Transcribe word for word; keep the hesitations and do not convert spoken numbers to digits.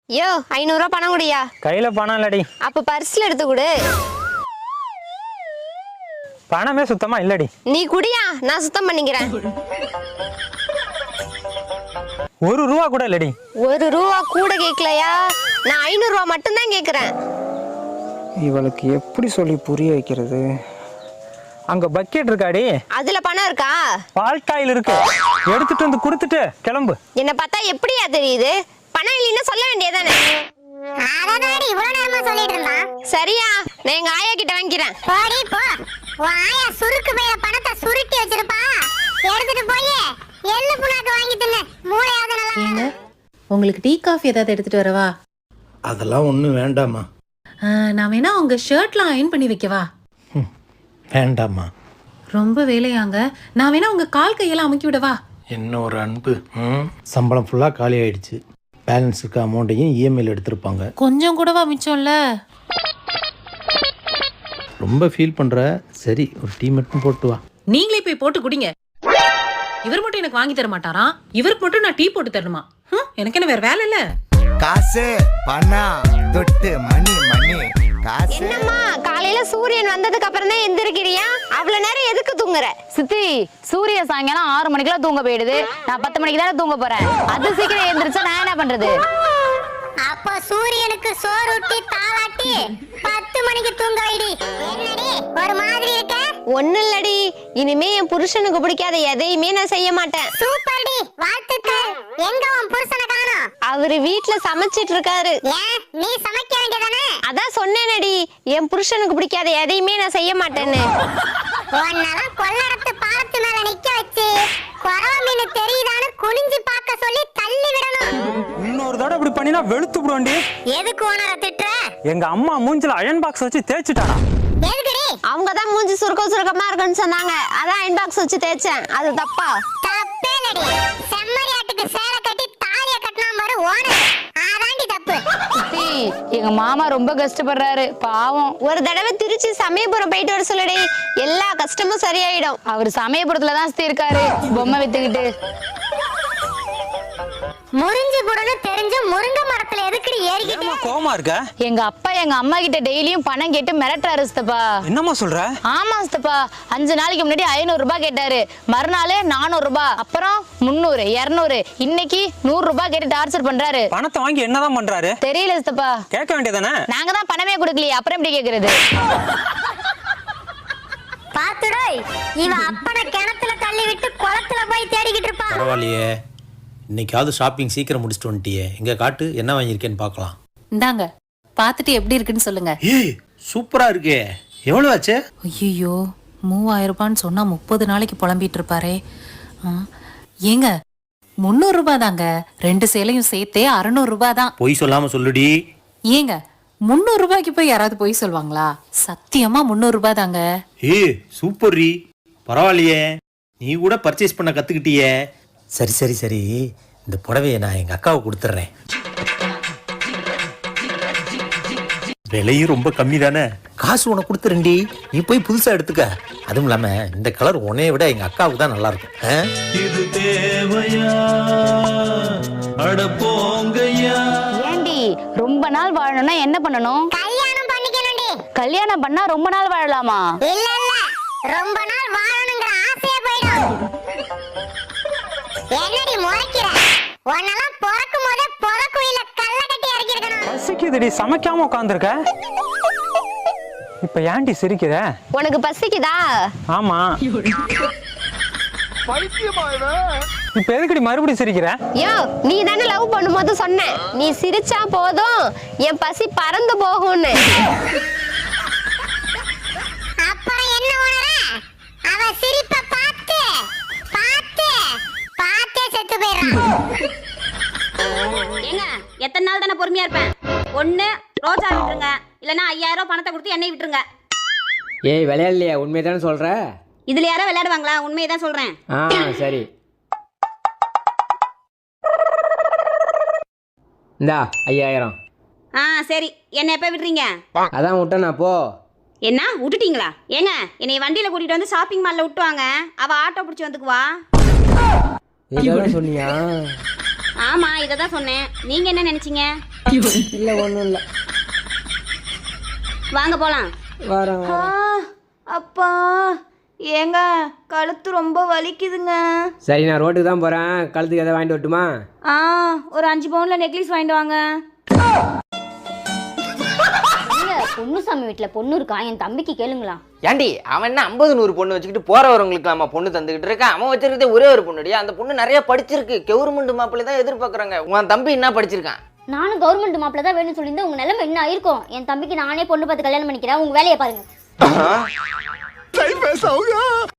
யோ ஐநூறு ரூபாய் பணம் குடியா. கையில பணம் இல்லடி. அப்ப பர்ஸ்ல எடுத்து கொடு. பணமே சுத்தமா இல்லடி. நீ குடியா, நான் சுத்தம் பண்ணிக்கிறேன். ஒரு ரூபா கூட இல்லடி. ஒரு ரூபா கூட கேட்கலையா? நான் ஐநூறு ரூபா மட்டும் தான் கேக்குறேன். இவளுக்கு எப்படி சொல்லி புரிய வைக்கிறது? அங்க பக்கெட் இருக்காடி. அதுல பணம் இருக்கா? பால்காயில் இருக்கு. எடுத்துட்டு வந்து கொடுத்துட்டு கிளம்பு. என்ன பார்த்தா எப்படியா தெரியுது? பணம் இல்லைன்னா சொல்ல வேண்டியதானே. அதனாடி இவ்வளவு நேரமா சொல்லிட்டு இருந்தான். சரியா, நான் எங்க ஆயா கிட்ட வாங்கிக்கிறேன். போடி போ. உன் ஆயா சுருக்கு பையில பணத்தை சுருட்டி வச்சிருப்பா. எடுத்துட்டு போய் எள்ளு புண்ணாக்கு வாங்கி தின்னு. மூளையாவது நல்லா. ஏங்க உங்களுக்கு டீ காஃபி ஏதாவது எடுத்துட்டு வரவா? அதெல்லாம் ஒன்றும் வேண்டாமா. நான் வேணா உங்க ஷர்ட்லாம் அயன் பண்ணி வைக்கவா? வேண்டாமா. ரொம்ப வேலையாங்க. நான் வேணா உங்க கால் கையெல்லாம் அமுக்கி விடவா? என்ன ஒரு அன்பு. ம் சம்பளம் ஃபுல்லாக காலி ஆயிடுச்சு. பேலன்ஸ் இருக்க அமௌண்ட்டையும் இஎம்ஐயில் எடுத்திருப்பாங்க. கொஞ்சம் கூடவா மிச்சம்ல? ரொம்ப ஃபீல் பண்ணுற. சரி ஒரு டீ மட்டும் போட்டு வா. நீங்களே போய் போட்டு குடிங்க. இவர் மட்டும் எனக்கு வாங்கி தர மாட்டாராம். இவருக்கு மட்டும் நான் டீ போட்டு தரணுமா? எனக்கு என்ன வேற வேலை இல்ல? காசு பணம் தொட்டு மணி மணி காசு. என்னம்மா காலையில சூரியன் வந்ததுக்கு அப்புறம் தான் எந்திரிக்கிறியா? அவ்வளவு நேரம் எதுக்கு தூங்குற? சித்தி, சூரிய சாயங்காலம் ஆறு மணிக்கெல்லாம் தூங்க போயிடுது. நான் பத்து மணிக்கு தானே தூங்க போறேன். அது சீக்கிரம் எந்திரிச்சா நான் என்ன பண்றது? அப்ப சூரியனுக்கு சோறு ஊட்டி தாளாட்டி பத்து மணிக்கு தூங்க வைடி. என்னடி ஒரு மாதிரி இருக்க? ஒண்ணு இல்லடி, இனிமே என் புருஷனுக்கு பிடிக்காத எதையுமே நான் செய்ய மாட்டேன். சூப்பர் டி, வாழ்த்துக்கள். எங்க உன் புருஷனை காணோம்? அவரு வீட்டுல சமைச்சிட்டு இருக்காரு. ஏன் நீ சமைக்க வேண்டியதானே? அதான் சொன்னேனடி, என் புருஷனுக்கு பிடிக்காத எதையுமே நான் செய்ய மாட்டேன்னு. உன்னெல்லாம் கொள்ளடத்து பாலத்து மேல நிக்க வச்சு குறவ மீன் தெரியுதான்னு குனிஞ்சு பார்க்க சொல்லி தள்ளி விடணும். இன்னொரு தடவை இப்படி பண்ணினா வெளுத்து விடுவாண்டி. எதுக்கு ஓனர திட்டுற? எங்க அம்மா மூஞ்சில அயன் பாக்ஸ் வச்சு தேய்ச்சிட்டாடா. எதுக்குடி? அவங்க தான் மூஞ்சி சுருக்க சுருக்கமா இருக்குன்னு சொன்னாங்க. அதான் அயன் பாக்ஸ் வச்சு தேய்ச்சேன். அது தப்பா? தப்பே இல்லடி. செம்மறியாட்டுக்கு சேலை கட்டி தாலிய கட்டினா பாரு ஓனர். அதாண்டி தப்பு. சித்தி, எங்க மாமா ரொம்ப கஷ்டப்படுறாரு, பாவம். ஒரு தடவை திருச்சி சமயபுரம் போயிட்டு வர சொல்லுடி, எல்லா கஷ்டமும் சரியாயிடும். அவர் சமயபுரத்துல தான் சித்தி இருக்காரு, பொம்மை வித்துக்கிட்டு. முறிஞ்சு கூடன்னு தெரிஞ்சு முருங்கை மரத்துல எதுக்குடி ஏறிக்கிட்டு? கோமா இருக்க? எங்க அப்பா எங்க அம்மா கிட்ட டெய்லியும் பணம் கேட்டு மிரட்டுறாரு சித்தப்பா. என்னம்மா சொல்ற? ஆமா சித்தப்பா, அஞ்சு நாளைக்கு முன்னாடி ஐநூறு ரூபாய் கேட்டாரு. மறுநாள் நானூறு ரூபாய், அப்புறம் முன்னூறு, இருநூறு, இன்னைக்கு நூறு ரூபாய் கேட்டு டார்ச்சர் பண்றாரு. பணத்தை வாங்கி என்னதான் பண்றாரு? தெரியல சித்தப்பா. கேட்க வேண்டியதானே? நாங்க தான் பணமே கொடுக்கலையே, அப்புறம் எப்படி கேக்குறது? பாத்துடோய், இவ அப்பனை கிணத்துல தள்ளி விட்டு குளத்துல போய் தேடிக்கிட்டு இருப்பா. பரவாயில்லையே, இன்னைக்காவது ஷாப்பிங் சீக்கிரம் முடிச்சுட்டு வந்துட்டியே. எங்க காட்டு என்ன வாங்கியிருக்கேன்னு பார்க்கலாம். இந்தாங்க, பார்த்துட்டு எப்படி இருக்குன்னு சொல்லுங்க. ஏய் சூப்பரா இருக்கே. எவ்வளவு ஆச்சு? ஐயோ, மூவாயிரம் ரூபான்னு சொன்னா முப்பது நாளைக்கு புலம்பிட்டு இருப்பாரே. ஆ, ஏங்க முந்நூறு ரூபாய் தாங்க. ரெண்டு சேலையும் சேர்த்தே அறுநூறு ரூபாய் தான். பொய் சொல்லாம சொல்லுடி. ஏங்க முந்நூறு ரூபாய்க்கு போய் யாராவது பொய் சொல்லுவாங்களா? சத்தியமா முந்நூறு ரூபாய் தாங்க. ஏய் சூப்பர் ரீ. பரவாயில்லையே, நீ கூட பர்ச்சேஸ் பண்ண கத்துக்கிட்டியே. சரி சரி சரி, இந்த புடவையை நான் எங்க அக்காவுக்கு கொடுத்துட்றேன். விலையும் ரொம்ப கம்மி தானே. காசு உனக்கு கொடுத்துறேன்டி, நீ போய் புதுசா எடுத்துக்க. அதுவும் இல்லாம இந்த கலர் உன்னைய விட எங்க அக்காவுக்கு தான் நல்லா இருக்கும். இது தேவையா அட போங்கய்யா. ஏண்டி, ரொம்ப நாள் வாழணும்னா என்ன பண்ணணும்? கல்யாணம் பண்ணிக்கணும்டி. கல்யாணம் பண்ணா ரொம்ப நாள் வாழலாமா? இல்ல இல்ல, ரொம்ப நாள் வாழணுங்கிற ஆசையே போயிடும். என்னடி முறைக்கிற? உன்னெல்லாம் பிறக்கும் போதே புறக்குயில கல்ல கட்டி இறக்கி இருக்கணும். பசிக்குதுடி, சமைக்காம உட்காந்துருக்க. இப்ப ஏன்டி சிரிக்கிற? உனக்கு பசிக்குதா? ஆமா. இப்ப எதுக்குடி மறுபடியும் சிரிக்கிற? யோ, நீ தானே லவ் பண்ணும்போது சொன்ன, நீ சிரிச்சா போதும் என் பசி பறந்து போகும்னு. அப்புறம் என்ன உணர? அவ சிரிப்ப பார்த்து பார்த்து பார்த்தே செத்து போயிடுறான். ஏங்க எத்தனை நாள் தானே பொறுமையா இருப்பேன்? ஒண்ணு ரோஜா விட்டுருங்க, இல்லைன்னா ஐயாயிரம் ரூபாய் பணத்தை கொடுத்து எண்ணெய் விட்டுருங்க. ஏய் விளையாடலையா? உண்மையை தானே சொல்ற? இதுல யாரோ விளையாடுவாங்களா? உண்மையை தான் சொல்றேன். ஆ சரி, இந்தா ஐயாயிரம். ஆ சரி, என்ன எப்ப விடுறீங்க? அதான் விட்டேனா போ. என்ன விட்டுட்டீங்களா? ஏங்க என்னை வண்டியில கூட்டிட்டு வந்து ஷாப்பிங் மால்ல விட்டுவாங்க, அவ ஆட்டோ பிடிச்சி வந்துக்குவா. இதெல்லாம் சொன்னியா? ஆமா இதை தான் சொன்னேன். நீங்க என்ன நினைச்சீங்க? இல்லை ஒன்றும் இல்லை. வாங்க போலாம். வரேன் வரேன். அப்பா ஏங்க கழுத்து ரொம்ப வலிக்குதுங்க. சரி நான் ரோட்டுக்கு தான் போகிறேன். கழுத்துக்கு எதாவது வாங்கிட்டு வரட்டுமா? ஆ ஒரு அஞ்சு பவுன்ல நெக்லஸ் வாங்கிட்டு வாங்க. பொண்ணுசாமி வீட்டுல பொண்ணு இருக்கா, என் தம்பிக்கு கேளுங்களா. ஏண்டி அவன் என்ன ஐம்பது நூறு பொண்ணு வச்சுக்கிட்டு போறவங்களுக்கு நம்ம பொண்ணு தந்துக்கிட்டு இருக்கான். அவன் வச்சிருக்கதே ஒரே ஒரு பொண்ணுடி. அந்த பொண்ணு நிறைய படிச்சிருக்கு. கவர்மெண்ட் மாப்பிள்ளை தான் எதிர்பார்க்கறாங்க. உன் தம்பி என்ன படிச்சிருக்கான்? நானும் கவர்மெண்ட் மாப்பிள்ள தான் வேணும்னு சொல்லியிருந்தேன். உங்க நிலைமை என்ன ஆயிருக்கும்? என் தம்பிக்கு நானே பொண்ணு பார்த்து கல்யாணம் பண்ணிக்கிறேன். உங்க வேலையை பாருங்க.